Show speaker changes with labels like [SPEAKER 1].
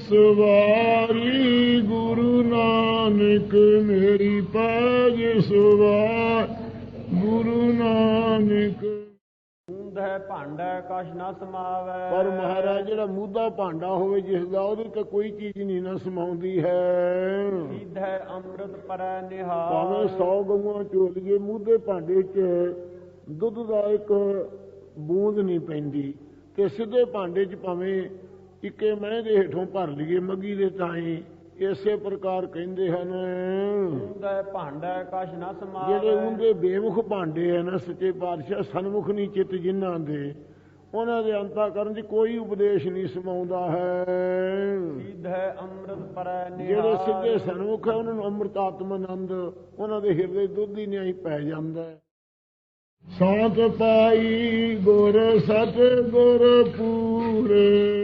[SPEAKER 1] ਸਵਾਰੀ ਗੁਰੂ ਨਾਨਕ ਮੇਰੀ ਪੈਜ ਸਵਾਰ ਗੁਰੂ ਨਾਨਕ।
[SPEAKER 2] ਮੂੰਧੈ ਭਾਂਡਾ ਕਛ ਨ ਸਮਾਵੈ।
[SPEAKER 1] ਪਰ ਮਹਾਰਾਜ ਜਿਹੜਾ ਮੂਧਾ ਭਾਂਡਾ ਹੋਵੇ ਜਿਸ ਦਾ, ਉਹਦੇ ਤੇ ਕੋਈ ਚੀਜ਼ ਨਹੀਂ ਨਾ ਸਮਾਉਂਦੀ ਹੈ।
[SPEAKER 2] ਸੀਧੈ ਅੰਮ੍ਰਿਤ ਪਰੈ ਨਿਹਾਲ।
[SPEAKER 1] ਭਾਵੇਂ 100 ਗਊਆਂ ਝੋਲੀਏ, ਮੂਧੇ ਭਾਂਡੇ 'ਚ ਦੁੱਧ ਦਾ ਇੱਕ ਬੂੰਦ ਨਹੀਂ ਪੈਂਦੀ, ਤੇ ਸਿੱਧੇ ਭਾਂਡੇ 'ਚ ਭਾਵੇਂ ਇੱਕੇ ਮਹਿ ਦੇ ਹੇਠੋਂ ਭਰ ਲਈਏ ਮੱਗੀ ਦੇ ਤਾਈਂ। ਇਸੇ ਪ੍ਰਕਾਰ ਕਹਿੰਦੇ ਹਨ
[SPEAKER 2] ਊਂਧੈ ਭਾਂਡਾ ਕਛ ਨ ਸਮਾਵੈ।
[SPEAKER 1] ਜਿਹੜੇ ਉਂਦੇ ਬੇਮੁਖ ਭਾਂਡੇ ਹੈ ਨਾ ਸੱਚੇ ਪਾਤਸ਼ਾਹ, ਸਨਮੁਖ ਨਹੀਂ ਚਿੱਤ ਜਿਨ੍ਹਾਂ ਦੇ, ਉਹਨਾਂ ਦੇ ਅੰਤःਕਰਨ 'ਚ ਕੋਈ ਉਪਦੇਸ਼ ਨਹੀਂ ਸਮਾਉਂਦਾ ਹੈ।
[SPEAKER 2] ਸੀਧੈ ਅੰਮ੍ਰਿਤ ਪਰੈ ਨਿਹਾਲ।
[SPEAKER 1] ਜਿਹੜੇ ਸਿੱਧੇ ਸਨਮੁਖ ਹੈ ਉਹਨਾਂ ਨੂੰ ਅੰਮ੍ਰਿਤ ਆਤਮ ਆਨੰਦ ਉਹਨਾਂ ਦੇ ਹਿਰਦੇ ਦੁੱਧ ਹੀ ਨਹੀਂ ਪੈ ਜਾਂਦਾ। ਸਾਤ ਪਾਈ ਗੁਰ ਸਤ ਗੁਰ ਪੂਰੇ